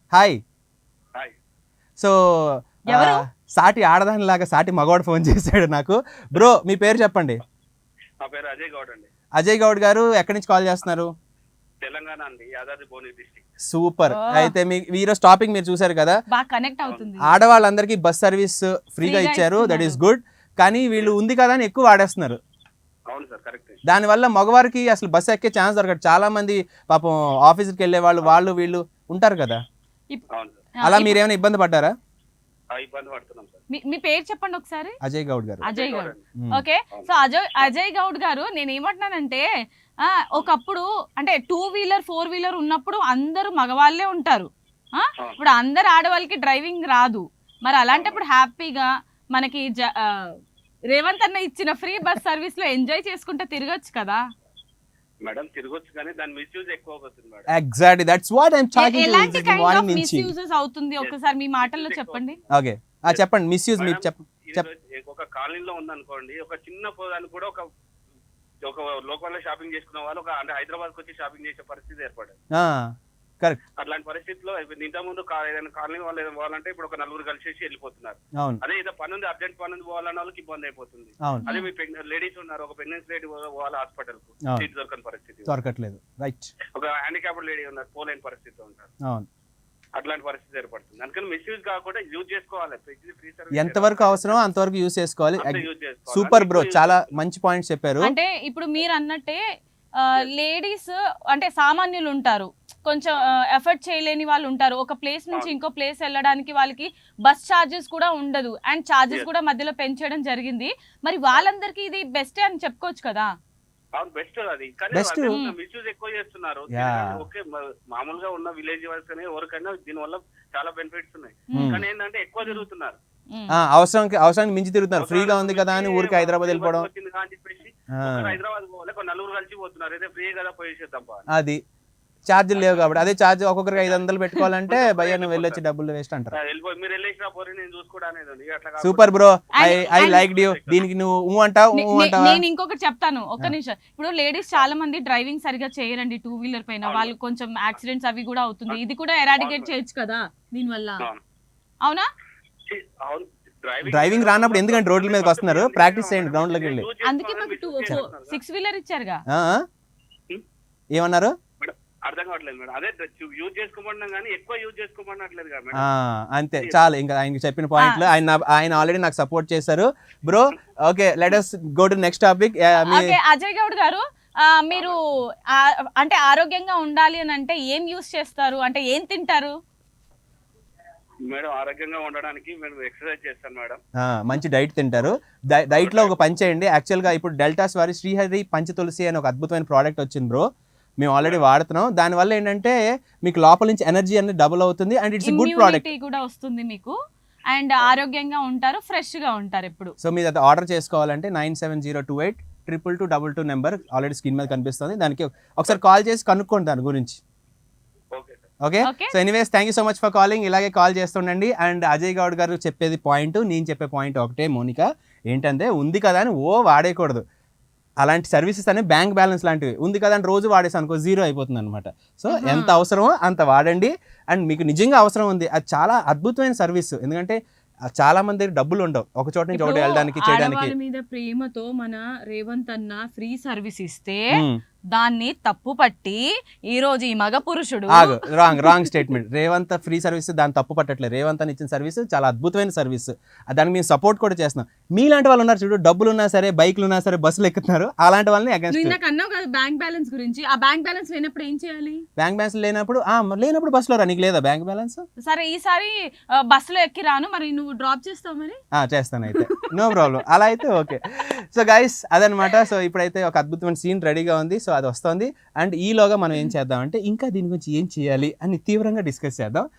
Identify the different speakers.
Speaker 1: Hi.
Speaker 2: Hi.
Speaker 1: So
Speaker 3: ఎవరు?
Speaker 1: సాటి ఆడదానిలాగా సాటి మగవాడు ఫోన్ చేశాడు నాకు. బ్రో మీ పేరు చెప్పండి.
Speaker 2: నా పేరు అజయ్ గౌడ్ అండి.
Speaker 1: అజయ్ గౌడ్ గారు ఎక్కడి నుంచి కాల్ చేస్తున్నారు?
Speaker 2: తెలంగాణ అండి, Yadadri Bhuvanagiri district.
Speaker 1: Super.
Speaker 3: Oh.
Speaker 1: అయితే మీ ఈరోజు టాపిక్ మీరు చూసారు కదా,
Speaker 3: బాగా కనెక్ట్ అవుతుంది.
Speaker 1: ఆడవాళ్ళందరికీ బస్ సర్వీస్ ఫ్రీగా
Speaker 3: ఫ్రీగా
Speaker 1: ఇచ్చారు, దట్ ఈస్
Speaker 3: ఇస్తున్నారు.
Speaker 1: గుడ్. కానీ వీళ్ళు ఉంది కదా అని ఎక్కువ వాడేస్తున్నారు.
Speaker 2: అవును సార్, కరెక్ట్.
Speaker 1: దానివల్ల మగవారికి అసలు బస్సు ఎక్కే ఛాన్స్ దొరకదు. చాలా మంది పాపం ఆఫీస్కి వెళ్ళే వాళ్ళు వీళ్ళు ఉంటారు కదా,
Speaker 2: అవును సార్,
Speaker 1: అలా మీరేమైనా ఇబ్బంది పడ్డారా?
Speaker 2: ఇబ్బంది పడుతున్నాం సార్.
Speaker 3: మీ పేరు చెప్పండి ఒకసారి.
Speaker 1: అజయ్ గౌడ్ గారు.
Speaker 3: Ajay Goud.
Speaker 1: Hmm.
Speaker 3: Okay. So Ajay Goud గారు, నేను ఏమంటున్నానంటే ఒకప్పుడు అంటే 2 వీలర్ 4 వీలర్ ఉన్నప్పుడు అందరూ మగవాళ్ళే ఉంటారు. ఇప్పుడు అందరు ఆడవాళ్ళకి డ్రైవింగ్ రాదు. మరి అలాంటప్పుడు హ్యాపీగా మనకి రేవంత్ అన్న ఇచ్చిన ఫ్రీ బస్ సర్వీస్ లో ఎంజాయ్ చేసుకుంటే తిరగచ్చు కదా.
Speaker 2: మేడం తిరగొచ్చు, కానీ దాని మిస్యూజ్ ఎక్కువ అవుతుంది madam.
Speaker 1: Exactly that's what I'm talking
Speaker 3: ఎలాంటి
Speaker 1: టు
Speaker 3: కైండ్ ఆఫ్
Speaker 1: మార్నింగ్ నుంచి.
Speaker 3: మిస్యూజెస్ అవుతుంది ఒకసారి మీ మాటల్లో చెప్పండి.
Speaker 1: ఓకే చెప్పండి. మిస్యూజ్ మీరు
Speaker 2: ఇది ఒక కాలనీలో ఉందనుకోండి, ఒక చిన్న పోదానికి కూడా ఒక లోకల్లో షాపింగ్ చేసుకున్న వాళ్ళు అంటే హైదరాబాద్కి వచ్చి షాపింగ్ చేసే పరిస్థితి ఏర్పడింది.
Speaker 1: కరెక్ట్.
Speaker 2: అట్లాంటి పరిస్థితిలో ఇంత ముందు ఏదైనా కాలనీ వాళ్ళు ఏదైనా పోవాలంటే ఇప్పుడు ఒక నలుగురు కలిసేసి వెళ్ళిపోతున్నారు.
Speaker 1: అవును
Speaker 2: అదే ఏదో పని ఉంది, అర్జెంట్ పని ఉంది పోవాలన్న వాళ్ళకి ఇబ్బంది అయిపోతుంది.
Speaker 1: అవును
Speaker 2: అదే మీ లేడీస్ ఉన్నారు, ఒక ప్రెగ్నెన్సీ లేడీ పోవాలి హాస్పిటల్ కు,
Speaker 1: అవును.
Speaker 2: సీట్ దొరకని పరిస్థితి.
Speaker 1: దొరకట్లేదు. రైట్.
Speaker 2: ఒక హ్యాండిక్యాప్డ్ లేడీ ఉన్నారు, పోలేని పరిస్థితిలో ఉంటారు.
Speaker 1: అవును.
Speaker 2: అట్లాంటి పరిస్థితి ఏర్పడుతుంది. అందుకని మిస్యూజ్ కాకుండా యూజ్ చేసుకోవాలి. ఫ్రీ సర్వీస్
Speaker 1: ఎంతవరకు అవసరమో అంతవరకు యూస్ చేసుకోవాలి.
Speaker 2: యూజ్ చేసుకోవాలి.
Speaker 1: సూపర్ బ్రో, చాలా మంచి పాయింట్స్ చెప్పారు.
Speaker 3: అంటే ఇప్పుడు మీరు అన్నట్టే లేడీస్ అంటే సామాన్యులు ఉంటారు, కొంచెం ఎఫర్ట్ చేయలేని వాళ్ళు ఉంటారు. ఒక ప్లేస్ నుంచి ఇంకో ప్లేస్ వెళ్ళడానికి వాళ్ళకి బస్ ఛార్జెస్ కూడా ఉండదు, అండ్ ఛార్జెస్ కూడా మధ్యలో పెంచడం జరిగింది. మరి వాళ్ళందరికీ ఇది బెస్ట్ అని చెప్పుకోవచ్చు కదా.
Speaker 2: అవును, బెస్ట్ అది. కానీ
Speaker 1: Best.
Speaker 2: మిస్యూజ్ ఎక్కువ చేస్తున్నారు.
Speaker 1: Yeah.
Speaker 2: ఓకే, మామూలుగా ఉన్న విలేజ్ వైస్ కానీ ఎవరికైనా దీని వల్ల చాలా బెనిఫిట్స్ ఉన్నాయి. కానీ ఏంటంటే ఎక్కువ తిరుగుతున్నారు.
Speaker 1: అవసరానికి మించి తిరుగుతున్నారు. ఫ్రీగా ఉంది కదా అని ఊరికి హైదరాబాద్ వెళ్ళిపోవడం.
Speaker 2: వచ్చింది కదా అని చెప్పేసి హైదరాబాద్ పోవాలి, ఒక నలుగురు కలిసి పోతున్నారు. అయితే ఫ్రీ కదా పోయేసేద్దాం బా.
Speaker 1: అది ఛార్జీలు లేవు కాబట్టి. అదే ఛార్జ్ ఒక్కొక్కరికి 500 పెట్టుకోవాలంటే భయ్య నువ్వు వెళ్ళొచ్చి డబ్బులు వేస్ట్ అంటారు.
Speaker 2: వెళ్ళిపోయి మీరు వెళ్ళేసినా పోయి నేను చూసుకోవడం అనేది ఉంది. అట్లా కాకుండా
Speaker 1: super bro, I
Speaker 3: And-
Speaker 1: like you. దీనికి నువ్వు అంటావా?
Speaker 3: నేను ఇంకొకటి చెప్తాను, ఒక్క నిమిషం. ఇప్పుడు లేడీస్ చాలా మంది డ్రైవింగ్ సరిగా చేయరండి 2 వీలర్ పైన. వాళ్ళు కొంచెం యాక్సిడెంట్స్ అవి కూడా అవుతుంది. ఇది కూడా ఎరాడికేట్ చేయొచ్చు కదా దీని వల్ల.
Speaker 2: అవును.
Speaker 3: అవునా?
Speaker 2: అవును,
Speaker 1: డ్రైవింగ్ రానప్పుడు ఎందుకంటే రోడ్ల మీదకి వస్తున్నారు, ప్రాక్టీస్ చేయండి గ్రౌండ్ లోకి వెళ్ళి.
Speaker 3: అందుకే మాకు 6 వీలర్ ఇచ్చారుగా.
Speaker 1: ఆ? ఏమన్నారు?
Speaker 2: అర్థం కావట్లేదు మేడం. అదే యూజ్ చేసుకోమన్నాం కానీ ఎక్కువ యూజ్ చేసుకోమన్నట్లేదు కదా మేడం.
Speaker 1: అంతే చాలు. ఇంకా ఆయనకి చెప్పిన పాయింట్లు ఆయన ఆల్రెడీ నాకు సపోర్ట్ చేశారు bro. Okay, let us go to next topic.
Speaker 3: Okay, Ajay Goud గారు, మీరు అంటే ఆరోగ్యంగా ఉండాలి అని అంటే ఏం యూస్ చేస్తారు, అంటే ఏం తింటారు?
Speaker 2: మేడం ఆరోగ్యంగా ఉండడానికి మేము ఎక్సర్సైజ్ చేస్తాను మేడం.
Speaker 1: మంచి డైట్ తింటారు. డైట్ లో ఒక పని చేయండి. యాక్చువల్ గా ఇప్పుడు డెల్టాస్ వారి శ్రీహరి పంచతులసి అని ఒక అద్భుతమైన ప్రోడక్ట్ వచ్చింది బ్రో. మేము ఆల్రెడీ వాడుతున్నాం. దానివల్ల ఏంటంటే మీకు లోపల నుంచి ఎనర్జీ అనేది డబుల్ అవుతుంది, అండ్ ఇట్స్ గుడ్ ప్రోడక్ట్
Speaker 3: కూడా వస్తుంది మీకు, అండ్ ఆరోగ్యంగా ఉంటారు, ఫ్రెష్ గా ఉంటారు ఎప్పుడు.
Speaker 1: సో మీరు అది ఆర్డర్ చేసుకోవాలంటే 9702822222 నెంబర్ ఆల్రెడీ స్క్రీన్ మీద కనిపిస్తుంది. దానికి ఒకసారి కాల్ చేసి కనుక్కోండి దాని గురించి.
Speaker 2: Okay sir.
Speaker 1: Okay.
Speaker 3: Okay.
Speaker 1: So anyways thank you so much for calling. ఇలాగే కాల్ చేస్తుండండి. అండ్ అజయ్ గౌడ్ గారు చెప్పేది పాయింట్, నేను చెప్పే పాయింట్ ఒకటే మోనిక, ఏంటంటే ఉంది కదా అని వాడేయకూడదు. అలాంటి సర్వీసెస్ అనేవి బ్యాంక్ బ్యాలెన్స్ లాంటివి. ఉంది కదా అని రోజు వాడేసి అనుకో జీరో అయిపోతుంది అనమాట. సో ఎంత అవసరమో అంత వాడండి. అండ్ మీకు నిజంగా అవసరం ఉంది, అది చాలా అద్భుతమైన సర్వీస్. ఎందుకంటే చాలా మంది దగ్గర డబ్బులు ఉండవు ఒక చోట నుంచి ఒకటి వెళ్ళడానికి చేయడానికి.
Speaker 3: ఆడవాళ్ళ మీద ప్రేమతో మన రేవంత్ అన్న ఫ్రీ సర్వీస్ ఇస్తే దాన్ని తప్పు పట్టి ఈ రోజు ఈ మగ పురుషుడు
Speaker 1: wrong statement. Revanth free service దాన్ని తప్పు పట్టట్లేదు. రేవంత్ అని ఇచ్చిన సర్వీస్ చాలా అద్భుతమైన సర్వీస్. దానికి మేము సపోర్ట్ కూడా చేస్తున్నాం. మీలాంటి వాళ్ళు ఉన్నారు చూడు, డబ్బులు ఉన్నా సరే, బైక్లు ఉన్నా సరే, బస్సులు ఎక్కుతున్నారు, అలాంటి వాళ్ళని అగేన్స్ట్.
Speaker 3: నాకు అన్నావు కదా బ్యాంక్ బ్యాలెన్స్ గురించి. ఆ బ్యాంక్ బ్యాలెన్స్ లేనప్పుడు ఏం చేయాలి?
Speaker 1: బ్యాంక్ బ్యాలెన్స్ లేనప్పుడు బస్సులో రా. నీకు లేదా బ్యాంక్ బ్యాలెన్స్?
Speaker 3: సరే, ఈసారి బస్సులో ఎక్కి రాను, మరి నువ్వు డ్రాప్ చేస్తావు మరి?
Speaker 1: చేస్తాను అయితే, నో ప్రాబ్లం. అలా అయితే ఓకే. సో గైస్ అదనమాట. సో ఇప్పుడైతే ఒక అద్భుతమైన సీన్ రెడీగా ఉంది. సో అది వస్తుంది. అండ్ ఈలోగా మనం ఏం చేద్దాం అంటే ఇంకా దీని గురించి ఏం చేయాలి అని తీవ్రంగా డిస్కస్ చేద్దాం.